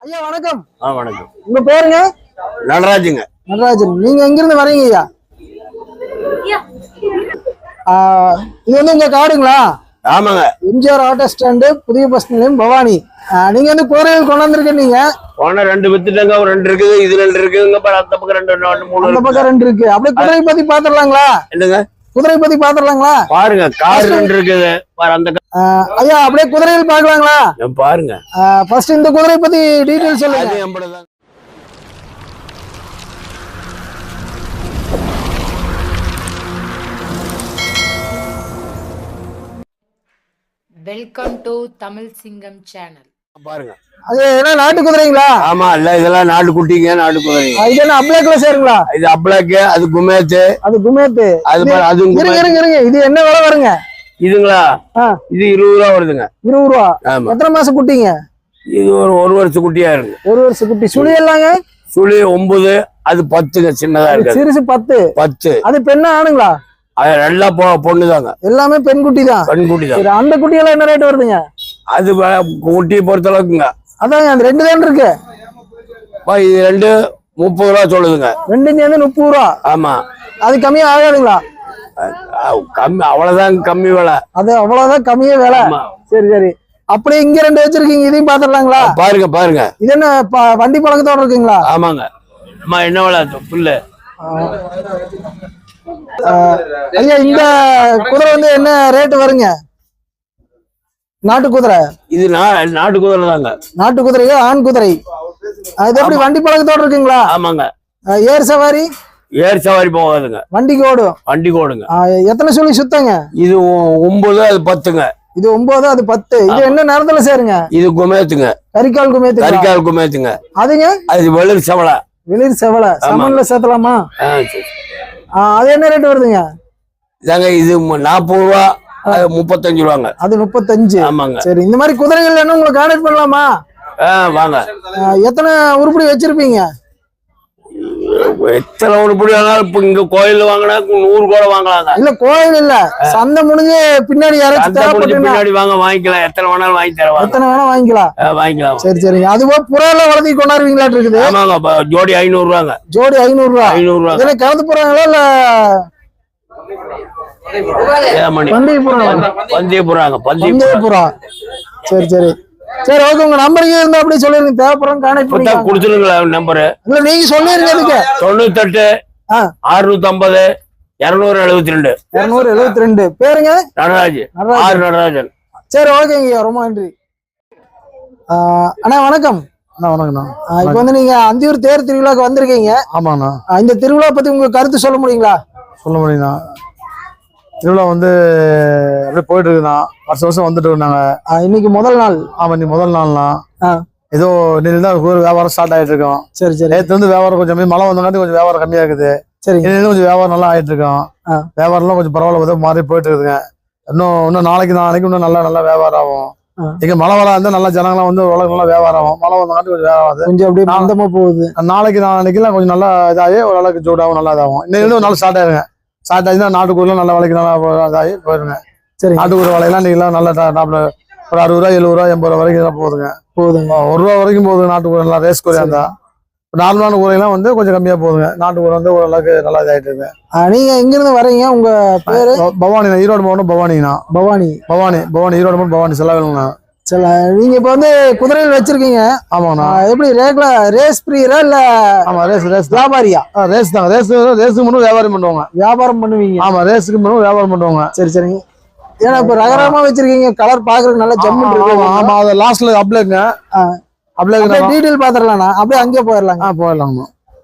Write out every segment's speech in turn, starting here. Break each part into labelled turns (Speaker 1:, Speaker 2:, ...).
Speaker 1: ஐயா வணக்கம்.
Speaker 2: வணக்கம்.
Speaker 1: உங்க பேருங்க?
Speaker 2: நடராஜுங்க.
Speaker 1: நடராஜன். நீங்க எங்க இருந்து வரீங்க ஐயா? இது வந்து உங்க காடுங்களா?
Speaker 2: ஆமாங்க.
Speaker 1: எம்ஜிஆர் ஆட்டோ ஸ்டாண்டு, புதிய பஸ் நிலையம், பவானி. நீங்க வந்து குதிரைகள் கொண்டாந்துருக்கீங்க.
Speaker 2: போன 2 வித்துட்டாங்க, ஒரு 2 இருக்குது, இது 2 இருக்குங்க. அந்த பக்கம் 2 3
Speaker 1: அந்த பக்கம் 2 இருக்கு. அப்படியே குதிரை பத்தி பாத்துடலாங்களா?
Speaker 2: என்னங்க
Speaker 1: குதிரை பத்தி பாத்துடலாங்களா?
Speaker 2: பாருங்க, கார் 2 இருக்குது. அந்த
Speaker 1: ஐயா அப்படியே குதிரைகள் பாக்கலாங்களா?
Speaker 2: பாருங்க.
Speaker 1: ஃபர்ஸ்ட் இந்த குதிரை பத்தி டீடைல் சொல்லுங்க.
Speaker 3: வெல்கம் டு தமிழ் சிங்கம் சேனல்.
Speaker 2: பாருங்க.
Speaker 1: அது என்ன நாட்டு குதிரைங்களா?
Speaker 2: ஆமா, இல்ல இதெல்லாம் நாட்டு குட்டிங்க, நாட்டு குதிரைங்க.
Speaker 1: இது என்ன அப்ளாக்ல சேருங்களா?
Speaker 2: இது அப்ளாக்கு, அது குமேத்து.
Speaker 1: அது குமேத்து.
Speaker 2: அது
Speaker 1: இருங்க. இது என்ன விலை வருங்க?
Speaker 2: இதுங்களா? இது 20 ரூபா வருதுங்க.
Speaker 1: 20 ரூபா.
Speaker 2: ஆமா.
Speaker 1: எத்தனை மாசம் குட்டிங்க?
Speaker 2: இது ஒரு வருஷம் குட்டியா இருக்கு.
Speaker 1: 1 வருஷம் குட்டி. சுழி எல்லாங்க?
Speaker 2: சுழி 9, அது 10ங்க. சின்னதா இருக்கு.
Speaker 1: சிறுசு 10. அது பெண்ணா ஆணுங்களா?
Speaker 2: அது எல்லாம் பொண்ணுதாங்க.
Speaker 1: எல்லாமே பெண் குட்டி தான்.
Speaker 2: பெண் குட்டி தான்.
Speaker 1: அந்த குட்டி எல்லாம் என்ன ரேட் வருதுங்க?
Speaker 2: அது குட்டியை பொறுத்த அளவுக்குங்க.
Speaker 1: அதாங்க அந்த 2 தான் இருக்கு.
Speaker 2: இது 2 30 ரூபா சொல்லுதுங்க.
Speaker 1: 2 சேர்ந்து 30 ரூபா.
Speaker 2: ஆமா.
Speaker 1: அது கம்மியா ஆகாதுங்களா?
Speaker 2: கம்மி, அவ்வளவுதான் கம்மி விலை.
Speaker 1: அது அவ்வளவுதான் கம்மியே விலை. சரி. அப்படியே இங்க 2 வச்சிருக்கீங்க, இதையும் பாத்துடலாங்களா?
Speaker 2: பாருங்க.
Speaker 1: இது என்ன வண்டி பழக்கத்தோட இருக்குங்களா?
Speaker 2: ஆமாங்க. அம்மா என்ன விலை புல்லு?
Speaker 1: ஐயா இந்த குதிரை வந்து என்ன ரேட் வருங்க? நாட்டு குதிரை.
Speaker 2: இது நாட்டு குதிரை தாங்க.
Speaker 1: நாட்டு குதிரையா? ஆண் குதிரை. அது எப்படி வண்டி பழக்கத்தோட இருக்குங்களா?
Speaker 2: ஆமாங்க.
Speaker 1: ஏர் சவாரி?
Speaker 2: ஏர் சவாரி போகாதுங்க.
Speaker 1: வண்டிக்கு ஓடும்.
Speaker 2: வண்டிக்கு ஓடுங்க.
Speaker 1: எத்தனை சொல்லி சுத்தங்க?
Speaker 2: இது 9, அது 10ங்க.
Speaker 1: இது 9, அது 10. இது என்ன நேரத்துல சேருங்க?
Speaker 2: இது குமேத்துங்க.
Speaker 1: கரிக்கால் குமேத்து.
Speaker 2: கரிக்கால் குமேத்துங்க.
Speaker 1: அதுங்க?
Speaker 2: அது வெளிர் செவலை.
Speaker 1: வெளிர் செவலை. சமன்ல சேர்த்தலாமா? அது என்ன ரேட் வருதுங்க?
Speaker 2: இதாங்க இது 40 ரூபா, அது 35 ரூபாங்க.
Speaker 1: அது 35.
Speaker 2: ஆமாங்க.
Speaker 1: சரி, இந்த மாதிரி குதிரைகள் என்ன உங்களை கான்டாக்ட் பண்ணலாமா?
Speaker 2: வாங்க.
Speaker 1: எத்தனை உருப்படி வச்சிருப்பீங்க?
Speaker 2: எத்தனை உருப்படி வேணாலும் இப்ப இங்க கோயில் வாங்கினா 100 கூட வாங்கலாங்க.
Speaker 1: இல்ல கோயில் இல்ல, சந்தை முடிஞ்சு பின்னாடி
Speaker 2: பின்னாடி வாங்கிக்கலாம். எத்தனை வேணாலும் வாங்கி தரவாங்க.
Speaker 1: எத்தனை வேணா வாங்கிக்கலாம். சரி. அதுபோல புறால வளர்த்தி கொண்டாடுவீங்களா இருக்குது?
Speaker 2: ஆமாங்க. ஜோடி 500 ரூபாங்க.
Speaker 1: ஜோடி 500 ரூபா.
Speaker 2: 500 ரூபா.
Speaker 1: இதுல கலந்து போறாங்களா இல்ல பந்தய புறா? சரி ஓகே. உங்க நம்பருக்கு இருந்தா அப்படியே சொல்லிருங்க, தேவைப்படுறோம் கான்டாக்ட் பண்ணி
Speaker 2: கொடுத்துருங்களா நம்பரு?
Speaker 1: இல்ல நீங்க சொல்லிருங்க. அதுக்கு
Speaker 2: 98 650 272
Speaker 1: 272. பேருங்க?
Speaker 2: நடராஜன்.
Speaker 1: சரி ஓகேங்க, ரொம்ப நன்றி. அண்ணா வணக்கம்.
Speaker 4: வணக்கம்ண்ணா.
Speaker 1: இப்ப வந்து நீங்க அந்தியூர் தேர் திருவிழாக்கு வந்திருக்கீங்க.
Speaker 4: ஆமாண்ணா.
Speaker 1: இந்த திருவிழா பத்தி உங்க கருத்து சொல்ல முடியுங்களா?
Speaker 4: சொல்ல முடியுண்ணா. திருவிழா வந்து அப்படியே போயிட்டு இருக்குண்ணா. வருஷம் வந்துட்டு இருந்தாங்க.
Speaker 1: இன்னைக்கு முதல் நாள்.
Speaker 4: ஆமா, இன்னைக்கு முதல் நாள்ண்ணா. ஏதோ இன்னைக்கு தான் வியாபாரம் ஸ்டார்ட் ஆயிட்டு இருக்கோம். சரி. நேற்று வந்து வியாபாரம் கொஞ்சம் மழை வந்தங்காட்டி கொஞ்சம் வியாபாரம் கம்மியா இருக்குது. சரி. கொஞ்சம் வியாபாரம் நல்லா ஆயிட்டு இருக்கோம். வியாபாரம்லாம் கொஞ்சம் பரவாயில்ல, மாறி போயிட்டு இருக்குதுங்க. இன்னும் நாளைக்கு இன்னும் நல்லா வியாபாரம் ஆகும். இங்க மழை இருந்தா நல்லா ஜனங்களாம் வந்து நல்லா வியாபாரம் ஆகும். மழை வந்தங்காட்டி கொஞ்சம் வியாபாரம் கொஞ்சம் அப்படியே மந்தமா போகுது. நாளைக்கெல்லாம் கொஞ்சம் நல்லா இதாகி ஓரளவுக்கு சூடாகும், நல்லா இதாகும். இன்னைக்கு நல்லா ஸ்டார்ட் ஆயிருங்க. ஸ்டார்ட் ஆச்சுன்னா நாட்டுக்கூர்லாம் நல்ல விலைக்கு நல்லா இதாகி போயிருங்க. சரி. நாட்டுக்கூர் விலையெல்லாம் நீங்களாம் நல்லா டாப்ல ஒரு 60 ரூபா 70 ரூபா 80 ரூபா வரைக்கும் போகுதுங்க. 1 ரூபா வரைக்கும் போகுது நாட்டுக்கூர். நல்லா ரேஸ் கூரையா இருந்தா. நார்மலான கூரையெல்லாம் வந்து கொஞ்சம் கம்மியா போகுதுங்க. நாட்டுக்கூர் வந்து ஓரளவுக்கு நல்லா இதாயிட்டு இருக்கு.
Speaker 1: நீங்க எங்க இருந்து வரீங்க? உங்க பேரு?
Speaker 4: பவானி. ஈரோடு மாவட்டம் பவானிங்கண்ணா. பவானி ஈரோடு மாவட்டம் பவானி செல்லவேலுங்கண்ணா.
Speaker 1: நீங்க இப்ப வந்து குதிரைகள் வச்சிருக்கீங்க.
Speaker 4: ஆமாண்ணா. எப்படி
Speaker 1: ரேஸ் பிரியரா இல்ல?
Speaker 4: ஆமா, ரேஸ்
Speaker 1: வியாபாரியா?
Speaker 4: ரேஸ் தான். ரேஸுக்கு மட்டும் வியாபாரம் பண்ணுவாங்க.
Speaker 1: வியாபாரம் பண்ணுவீங்க?
Speaker 4: ஆமா, ரேஸுக்கு மட்டும் வியாபாரம் பண்ணுவாங்க.
Speaker 1: சரிங்க. ஏன்னா இப்ப ரகரமா வச்சிருக்கீங்க, கலர் பாக்குறதுக்கு நல்லா ஜம்முன்னு இருக்கு.
Speaker 4: ஆமா, அது லாஸ்ட்ல அப்ளேக்குங்க. அப்ளேக்கு
Speaker 1: டீடைல் பாத்துறலாம்ண்ணா. அப்படியே அங்கே போயிடலாம்.
Speaker 4: போயிடலாங்கண்ணா.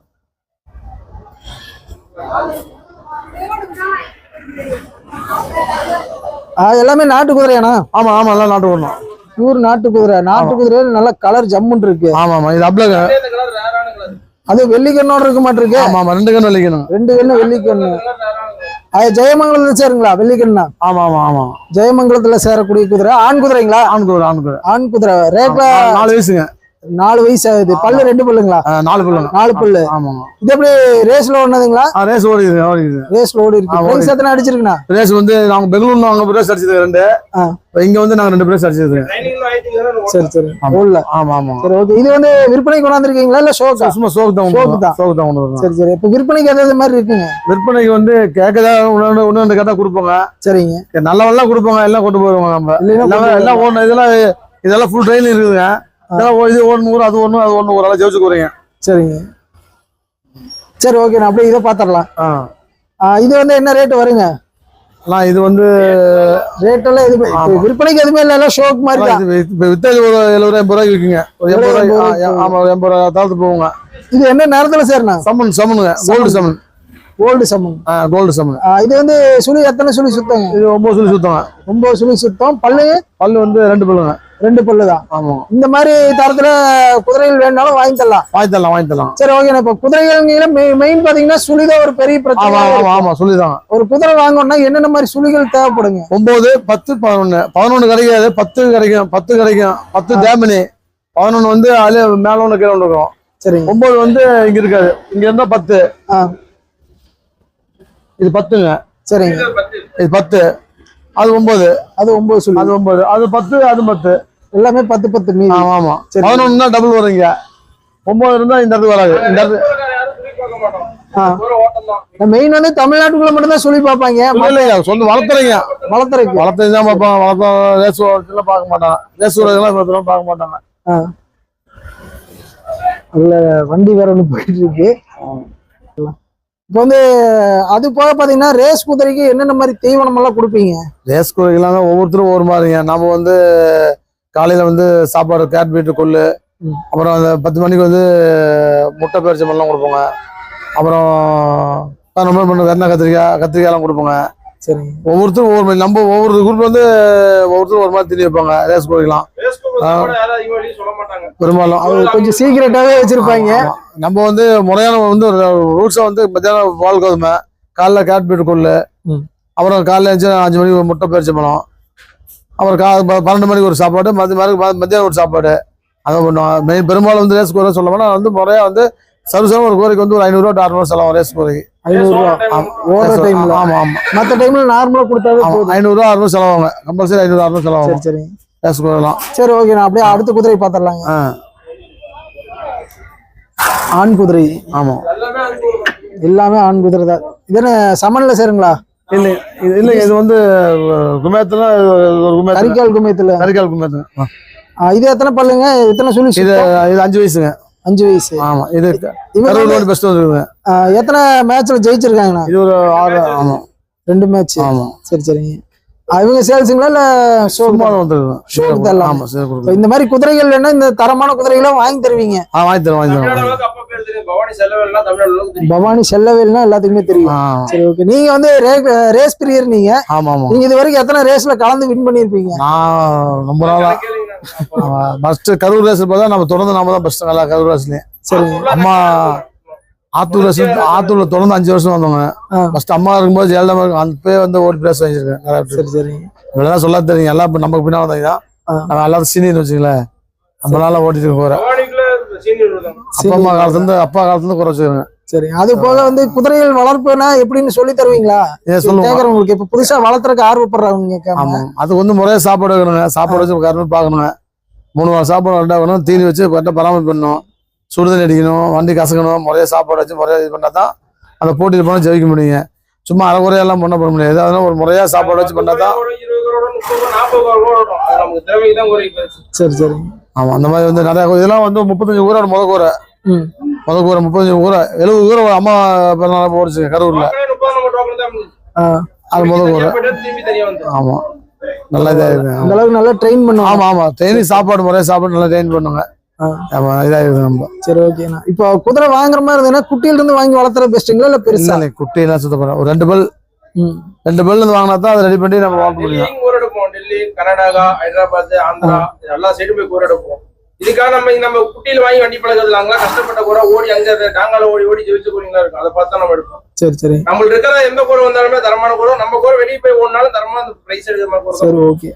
Speaker 1: எல்லாமே நாட்டு குதிரையாண்ணா?
Speaker 4: ஆமா, எல்லாம் நாட்டு குதிரை.
Speaker 1: பியூர் நாட்டு குதிரை. நாட்டு குதிரையில நல்ல கலர் ஜம்முன்னு இருக்கு.
Speaker 4: ஆமா, இது அப்ளேக்கு.
Speaker 1: அது வெள்ளிக்கண்ணோட இருக்க மாட்டிருக்கு.
Speaker 4: ஆமா, 2 கண்ணு வெள்ளிக்கணும்.
Speaker 1: 2 கண்ணு வெள்ளிக்கண்ணு. அது ஜெயமங்கலத்துல சேருங்களா? வெள்ளிக்கண்ணா?
Speaker 4: ஆமா.
Speaker 1: ஜெயமங்கலத்துல சேரக்கூடிய குதிரை. ஆண் குதிரைங்களா?
Speaker 4: ஆண் குதிரை.
Speaker 1: ஆண் குதிரை. ரேட்ல
Speaker 4: 4 வயசுங்க.
Speaker 1: 4 வயசு ஆகுது. பல்லு 2 பல்லுங்களா?
Speaker 4: 4 பல்லுங்க.
Speaker 1: 4 பல்லு.
Speaker 4: ஆமாங்க.
Speaker 1: இது எப்படி ரேஸ்ல ஓடுனதுங்களா?
Speaker 4: ரேஸ் ஓடிக்குது.
Speaker 1: ரேஸ்ல ஓடி இருக்கு. பிரைஸ் எத்தனை அடிச்சிருக்குண்ணா?
Speaker 4: ரேஸ் வந்து நாங்க பெங்களூர்ல நாங்க பிரேஸ் அடிச்சது 2. இங்க வந்து நாங்க 2 பிரேஸ் அடிச்சது.
Speaker 1: சரி. ஓடல.
Speaker 4: ஆமா.
Speaker 1: சரி ஓகே. இது வந்து விற்பனைக்கு கொண்டாந்துருக்கீங்களா இல்ல ஷோக்கா?
Speaker 4: சும்மா ஷோக்கு தான் கொண்டு வரோம்.
Speaker 1: சரி. இப்ப விற்பனைக்கு எதாவது மாதிரி இருக்குங்க?
Speaker 4: விற்பனைக்கு வந்து கேட்கதா ஒண்ணு கேட்டா கொடுப்போங்க. சரிங்க. நல்லவெல்லாம் கொடுப்போங்க, எல்லாம் கொண்டு போயிருவோங்க. நம்ம எல்லாம் ஓடணும். இதெல்லாம் ஃபுல் ட்ரெயின் இருக்குதுங்க. இது ஒண்ணு அது ஒண்ணு ஒரு ஆளா ஜெயிச்சு போறீங்க. சரிங்க.
Speaker 1: சரி ஓகே. நான் அப்படியே இதை பாத்திரலாம். இது வந்து என்ன ரேட் வருங்க?
Speaker 4: இது வந்து
Speaker 1: ரேட் எல்லாம் இது விற்பனைக்கு எதுவுமே இல்ல, ஷோக்கு மாதிரி தான்.
Speaker 4: வித்தாது ஒரு 70-80 ரூபாய்க்கு விற்குங்க. ஒரு 80 ரூபாய். ஆமா, 80 ரூபாய் தாழ்த்து போவோங்க.
Speaker 1: இது என்ன நேரத்துல சேர்னா?
Speaker 4: சமனுங்க. கோல்டு சமன். கோல்டு சமன்.
Speaker 1: இது வந்து சுழி எத்தனை சுழி சுத்தங்க?
Speaker 4: இது 9 சுழி சுத்தங்க.
Speaker 1: 9 சுழி சுத்தம். பல்லு வந்து
Speaker 4: 2 பல்லுங்க.
Speaker 1: 2 பல்லு தான்.
Speaker 4: ஆமா.
Speaker 1: இந்த மாதிரி தரத்துல குதிரைகள் வேணாலும் வாங்கி தரலாம். சரி ஓகே. இப்ப குதிரைகள் மெயின் பாத்தீங்கன்னா சுழிதான் ஒரு பெரிய பிரச்சனை.
Speaker 4: ஆமா சுழிதான்.
Speaker 1: ஒரு குதிரை வாங்கணும்னா என்னென்ன மாதிரி சுழிகள் தேவைப்படுங்க?
Speaker 4: 9, 10, 11 கிடைக்காது. 10 கிடைக்கும். 10 டேமினி. 11 வந்து மேல ஒண்ணு கீழே ஒண்ணு இருக்கும். சரி. 9 வந்து இங்க இருக்காது. இங்க இருந்தா 10. இது 10ங்க. சரிங்க. இது 10. அது 9. அது 9 சொல்லு. அது 9. அது 10. அது 10. எல்லாமே 10 மீதி. ஆமா. 11 தான் டபுள் வருங்க. 9 இருந்தா இந்த இடத்துக்கு வராது. இந்த இடத்து
Speaker 1: மெயின் வந்து தமிழ்நாட்டுக்குள்ள மட்டும் தான் சொல்லி பார்ப்பாங்க.
Speaker 4: சொந்த வளர்த்துறீங்க தான் பார்ப்பாங்க. ரேஸ் எல்லாம் பார்க்க மாட்டாங்க. ரேஸ் எல்லாம் பார்க்க மாட்டாங்க.
Speaker 1: அதுல வண்டி வேற ஒண்ணு போயிட்டு இருக்கு. இப்போ வந்து அது போக பாத்தீங்கன்னா ரேஸ் குதிரைக்கு என்னென்ன மாதிரி தீவனம் எல்லாம் கொடுப்பீங்க?
Speaker 4: ரேஸ் குதிரைக்கெல்லாம் ஒவ்வொருத்தரும் ஒவ்வொரு மாதிரிங்க. நம்ம வந்து காலையில வந்து சாப்பாடு கேட் பீட்டு கொள்ளு, அப்புறம் அந்த 10 மணிக்கு வந்து முட்டை பேரிச்சம்பழம் கொடுப்போங்க. அப்புறம் 11 மணி பண்ண வெண்ணெய் கத்திரிக்காய் எல்லாம் கொடுப்போங்க. சரி. ஒவ்வொருத்தரும் ஒவ்வொரு மாதிரி. நம்ம ஒவ்வொரு குரூப் வந்து ஒவ்வொருத்தரும் ஒரு மாதிரி திணி வைப்பாங்க. ரேஸ் குதிரைக்கலாம்
Speaker 1: பெரும்பாலும் கொஞ்சம் சீக்கிரட்டாவே வச்சிருப்பாங்க.
Speaker 4: நம்ம வந்து முறையான வந்து ரூட்ஸா வந்து மத்தியானம் பால் கோதுமை, காலைல கேட் பீட்டு கொள்ளு, அப்புறம் காலைல 5 மணிக்கு முட்டை பேரிச்சம்பழம், அப்புறம் 12 மணிக்கு ஒரு சாப்பாடு, மத்தியானம் ஒரு சாப்பாடு. அதை பண்ணுவோம். பெரும்பாலும் வந்து ரேஸ் குதிரை சொல்லப்போனா வந்து முறையா வந்து சர்வீஸான ஒரு கோரிக்கை வந்து ஒரு 500 to 600 செலவு. ரேஸ் கோரிக்கை
Speaker 1: 500 ரூபா. ஆமா. மற்ற டைம்ல நார்மலா கொடுத்தாவே
Speaker 4: 500 to 600 செலவாங்க. கம்பல்சரி 500 to 600 செலவாகும்.
Speaker 1: சரி.
Speaker 4: ரேஸ் குதிரைலாம்.
Speaker 1: சரி ஓகே. நான் அப்படியே அடுத்த குதிரை பாத்திரலாங்க. ஆண் குதிரை.
Speaker 4: ஆமா.
Speaker 1: எல்லாமே ஆண் குதிரை தான். இது என்ன சமன்ல சேருங்களா?
Speaker 4: இல்ல இது வந்து குமேத்துல
Speaker 1: கரிகால் குமேத்துல. இது எத்தனை பல்லுங்க? எத்தனை சுழி? இது
Speaker 4: 5 வயசுங்க.
Speaker 1: 5 வயசு.
Speaker 4: ஆமா. இது பெஸ்ட் வந்துருக்குங்க.
Speaker 1: எத்தனை மேட்ச்ல ஜெயிச்சிருக்காங்கண்ணா?
Speaker 4: இது ஒரு 6. ஆமா.
Speaker 1: 2 மேட்ச்.
Speaker 4: ஆமா.
Speaker 1: சரிங்க. இவங்க சேல்ஸுங்களா இல்ல ஷோக்கு தரலாம்?
Speaker 4: ஆமா.
Speaker 1: இந்த மாதிரி குதிரைகள் வேணா இந்த தரமான குதிரைகளை வாங்கி தருவீங்க?
Speaker 4: வாங்கி தருவோம்.
Speaker 1: பவானி செல்லவேல்னா எல்லாத்துக்குமே தெரியும். சரி ஓகே. நீங்க வந்து ரேஸ் பிரியர் நீங்க. நீங்க இது வரைக்கும் எத்தனை ரேஸ்ல கலந்து வின் பண்ணிருப்பீங்க?
Speaker 4: நான் ரொம்ப நாளா ஃபர்ஸ்ட் கரூர் ரேஸ் பார்த்தா நம்ம தொடர்ந்து நாம தான் ஃபர்ஸ்ட் நல்லா கரூர் ரேஸ்லயே. சரி. அம்மா ஆத்தூர்ல தொடர்ந்து 5 வருஷம் வந்தவங்க. ஃபர்ஸ்ட் அம்மா இருக்கும்போது ஜெயலலிதா அந்த வந்து ஓடி பிளேஸ் வாங்கிருக்கேன். சரி. இதெல்லாம் சொல்ல தெரியும். எல்லாம் இப்ப நமக்கு பின்னால வந்தீங்கன்னா நம்ம எல்லாரும் சீனியர் வச்சுங்களேன். நம்ம நாளா ஓட்டிட்டு போறேன். அப்பா காலத்துல இருந்து குறைச்சிருங்க.
Speaker 1: சரி. அது போக வந்து குதிரைகள் வளர்ப்புனா எப்படின்னு சொல்லி தருவீங்களா? கேக்குறவங்களுக்கு இப்ப புதுசா வளர்த்துறதுக்கு ஆர்வப்படுறவங்க.
Speaker 4: ஆமா. அதுக்கு வந்து முறையா சாப்பாடு வைக்கணுங்க. சாப்பாடு வச்சு கரெக்டா பாக்கணுங்க. 3 வாரம் சாப்பாடு கரெக்டா வைக்கணும். தீனி வச்சு கரெக்டா பராமரிப்பு பண்ணணும். சுடுதண்ணி அடிக்கணும். வண்டி கசக்கணும். முறையா சாப்பாடு வச்சு முறையா இது பண்ணாதான் அந்த போட்டியில் போனா ஜெயிக்க முடியுங்க. சும்மா அரைக்குறையெல்லாம் பண்ண முடியாது. அதெல்லாம் ஒரு முறையா சாப்பாடு வச்சு பண்ணாதான். சரி. ஆமா. அந்த மாதிரி வந்து நிறைய இதெல்லாம் வந்து 35 ஊரோட முதக்கூரை 35 ஊரை 70 ஊரை அம்மா போடுச்சு கரூர்ல. அது முதக்கூரை. ஆமா. நல்லா இதா இருக்கு.
Speaker 1: அந்த அளவுக்கு நல்லா ட்ரெயின் பண்ணுவாங்க.
Speaker 4: ஆமா. ட்ரெயினிங் சாப்பாடு முறையா சாப்பாடு நல்லா ட்ரெயின் பண்ணுவாங்க. இதா இருக்கு நம்ம.
Speaker 1: சரி ஓகேண்ணா. இப்போ குதிரை வாங்குற மாதிரி இருந்ததுன்னா குட்டியில இருந்து வாங்கி வளர்த்துறது பெஸ்ட்டுங்களா இல்ல பெருசா?
Speaker 4: குட்டியெல்லாம் சுத்தம் பண்ண ஒரு 2 பல் இருந்து வாங்கினா தான் அதை ரெடி பண்ணி நம்ம வளர்க்க முடியும்.
Speaker 2: டெல்லி, கர்நாடகா, ஹைதராபாத், ஆந்திரா எல்லா சைடும் போய் கூரை எடுப்போம். இதுக்காக நம்ம குட்டியில வாங்கி வண்டி பழகிறதுலாங்களா கஷ்டப்பட்ட கூரை ஓடி அங்க நாங்கால ஓடி ஜெயிச்ச கூறிங்களா இருக்கும். அதை பார்த்து நம்ம எடுப்போம். சரி. நம்மளுக்கு இருக்கிற எந்த கூரை வந்தாலுமே தரமான கூரை. நம்ம கூரை வெளியே போய் ஓடினாலும் தரமா அந்த பிரைஸ் எடுக்கிற மாதிரி.
Speaker 1: சரி ஓகே.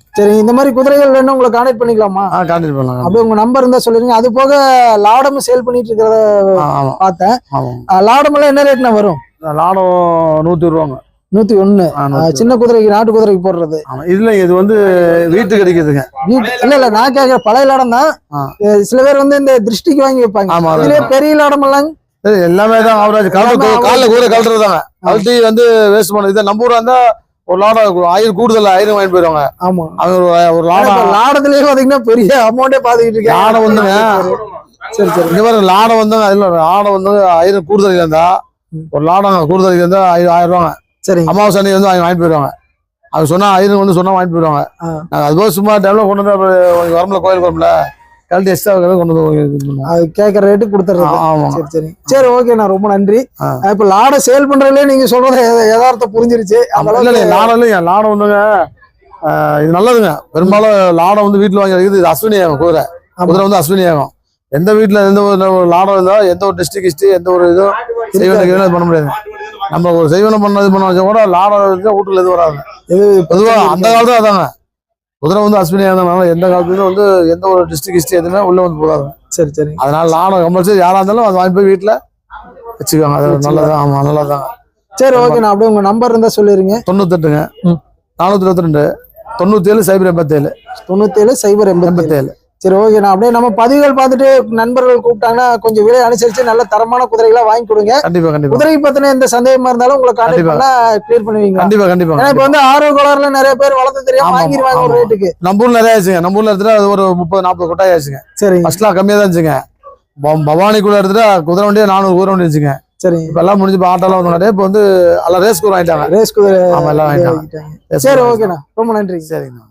Speaker 1: சரி, இந்த மாதிரி குதிரைகள் வேணும் உங்களை கான்டாக்ட் பண்ணிக்கலாமா?
Speaker 4: கான்டாக்ட் பண்ணலாம்.
Speaker 1: அப்படியே உங்க நம்பர் இருந்தா சொல்லிருங்க. அது போக லாடமும் சேல் பண்ணிட்டு இருக்கிறத
Speaker 4: ஆமா
Speaker 1: பார்த்தேன்.
Speaker 4: ஆமா.
Speaker 1: லாடம் எல்லாம் என்ன ரேட்னா வரும்?
Speaker 4: லாடம் 120 ரூபாங்க.
Speaker 1: 101. சின்ன குதிரைக்கு நாட்டு குதிரைக்கு போடுறது.
Speaker 4: இதுல இது வந்து வீட்டுக்கு கிடைக்குதுங்க.
Speaker 1: இல்ல நான் கேட்கிற பழைய லாடம் தான். சில பேர் வந்து இந்த திருஷ்டிக்கு வாங்கி வைப்பாங்க. இதுலயே பெரிய லாடம் எல்லாம்
Speaker 4: எல்லாமே தான் அவராஜ் காலைல கூட கழட்டுறதாங்க. கழட்டி வந்து வேஸ்ட் பண்ண இதை நம்ம ஊரா இருந்தா ஒரு லாடம் 1000 கூடுதல் 1000 வாங்கி போயிருவாங்க.
Speaker 1: ஆமா,
Speaker 4: அவங்க ஒரு லாடம்
Speaker 1: லாடத்திலேயே பாத்தீங்கன்னா பெரிய அமௌண்டே பாத்துக்கிட்டு இருக்கேன்.
Speaker 4: லாடம் வந்துங்க.
Speaker 1: சரி சரி,
Speaker 4: இந்த மாதிரி லாடம் வந்து லாடம் வந்து 1000 கூடுதல் இருந்தா ஒரு லாடம் கூடுதல் இருந்தா 1000 ரூபாங்க.
Speaker 1: சரி,
Speaker 4: அமாவாசை அன்னைக்கு வந்து வாங்கிட்டு போயிருவாங்க. அது சொன்னா 1000 வந்து சொன்னா வாங்கிட்டு போயிருவாங்க. அதுபோது சும்மா டைம்ல கொண்டு வந்து வரம்புல கோயில் வரம்புல கழட்டி எக்ஸ்ட்ரா கொண்டு வந்து
Speaker 1: அது கேட்கற ரேட்டு கொடுத்துறது. சரி சரி சரி, ஓகே, நான் ரொம்ப நன்றி. இப்ப லாடை சேல் பண்றதுலயே நீங்க சொல்றது யதார்த்தம் புரிஞ்சிருச்சு.
Speaker 4: லாடம் இல்லையா, லாடம் வந்துங்க இது நல்லதுங்க. பெரும்பாலும் லாடம் வந்து வீட்டுல வாங்கி வைக்கிறது. இது அஸ்வினி ஆகும். குதிரை வந்து அஸ்வினி ஆகும். எந்த வீட்டுல எந்த ஒரு லாடம் இருந்தா எந்த ஒரு டிஸ்ட்ரிக்ட் எந்த ஒரு இதுவும் செய்வன பண்ண முடியாது. நம்ம ஒரு செய்வனம் பண்ண வச்சா கூட லாடம் வீட்டுல எது வராது. பொதுவா அந்த காலத்துல அதாங்க. குதிரை வந்து அஸ்வினியா இருந்தனால எந்த காலத்துலயும் வந்து எந்த ஒரு டிஸ்ட்ரிக்ட் எதுவுமே உள்ள வந்து போகாது.
Speaker 1: சரி சரி,
Speaker 4: அதனால லாடம் கம்பல்சரி யாரா இருந்தாலும் அதை வாங்கி போய் வீட்டுல வச்சுக்கோங்க. அது நல்லதான். ஆமா, நல்லதாங்க.
Speaker 1: சரி, ஓகே, நான் அப்படியே உங்க நம்பர் இருந்தா சொல்லிருங்க.
Speaker 4: 98ங்க 422 97 087
Speaker 1: 97 087. சரி, ஓகே, நான் அப்படியே நம்ம பதிவுகள் பார்த்துட்டு நண்பர்கள் கூப்பிட்டாங்கன்னா கொஞ்சம் விலை அனுசரிச்சு நல்ல தரமான குதிரைகளா வாங்கி கொடுங்க.
Speaker 4: கண்டிப்பா கண்டிப்பா.
Speaker 1: குதிரை பத்தின எந்த சந்தேகமா இருந்தாலும் உங்களை கான்டாக்ட் பண்ணா கிளியர் பண்ணுவீங்க.
Speaker 4: கண்டிப்பா கண்டிப்பா.
Speaker 1: ஏன்னா இப்ப வந்து ஆர்வ கோளாறுல நிறைய பேர் வளர்த்து தெரியாம வாங்கிடுவாங்க ஒரு ரேட்டுக்கு.
Speaker 4: நம்ம ஊர்ல நிறைய ஆச்சுங்க. நம்ம ஊர்ல எடுத்துட்டு அது ஒரு 30-40 கொட்டாய் ஆச்சுங்க.
Speaker 1: சரி,
Speaker 4: ஃபர்ஸ்ட்லாம் கம்மியா தான் இருந்துச்சுங்க. பவானிக்குள்ள எடுத்துட்டு குதிரை வண்டியே 400 குதிரை வண்டி இருந்துச்சுங்க.
Speaker 1: சரி,
Speaker 4: இப்ப எல்லாம் முடிஞ்சு ஆட்டோலாம் வந்து இப்ப வந்து எல்லாம் ரேஸ் குதிரை வாங்கிட்டாங்க.
Speaker 1: ரேஸ் குதிரை
Speaker 4: எல்லாம் வாங்கிட்டாங்க.
Speaker 1: சரி, ஓகேண்ணா, ரொம்ப நன்றி.
Speaker 4: சரிங்கண்ணா.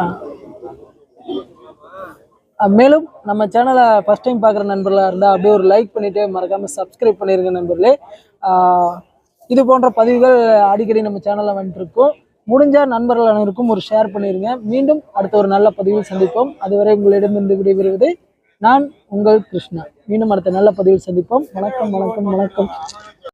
Speaker 1: மேலும் நம்ம சேனலை ஃபர்ஸ்ட் டைம் பார்க்குற நண்பர்களாக இருந்தால் அப்படியே ஒரு லைக் பண்ணிவிட்டு மறக்காமல் சப்ஸ்கிரைப் பண்ணிடுங்க நண்பர்களே. இது போன்ற பதிவுகள் அடிக்கடி நம்ம சேனலில் வந்துட்டுருக்கோம். முடிஞ்சால் நண்பர்கள் அனைவருக்கும் ஒரு ஷேர் பண்ணிடுங்க. மீண்டும் அடுத்த ஒரு நல்ல பதிவில் சந்திப்போம். அதுவரை உங்களிடமிருந்து விடைபெறுவது நான் உங்கள் கிருஷ்ணா. மீண்டும் அடுத்த நல்ல பதிவில் சந்திப்போம். வணக்கம் வணக்கம் வணக்கம்.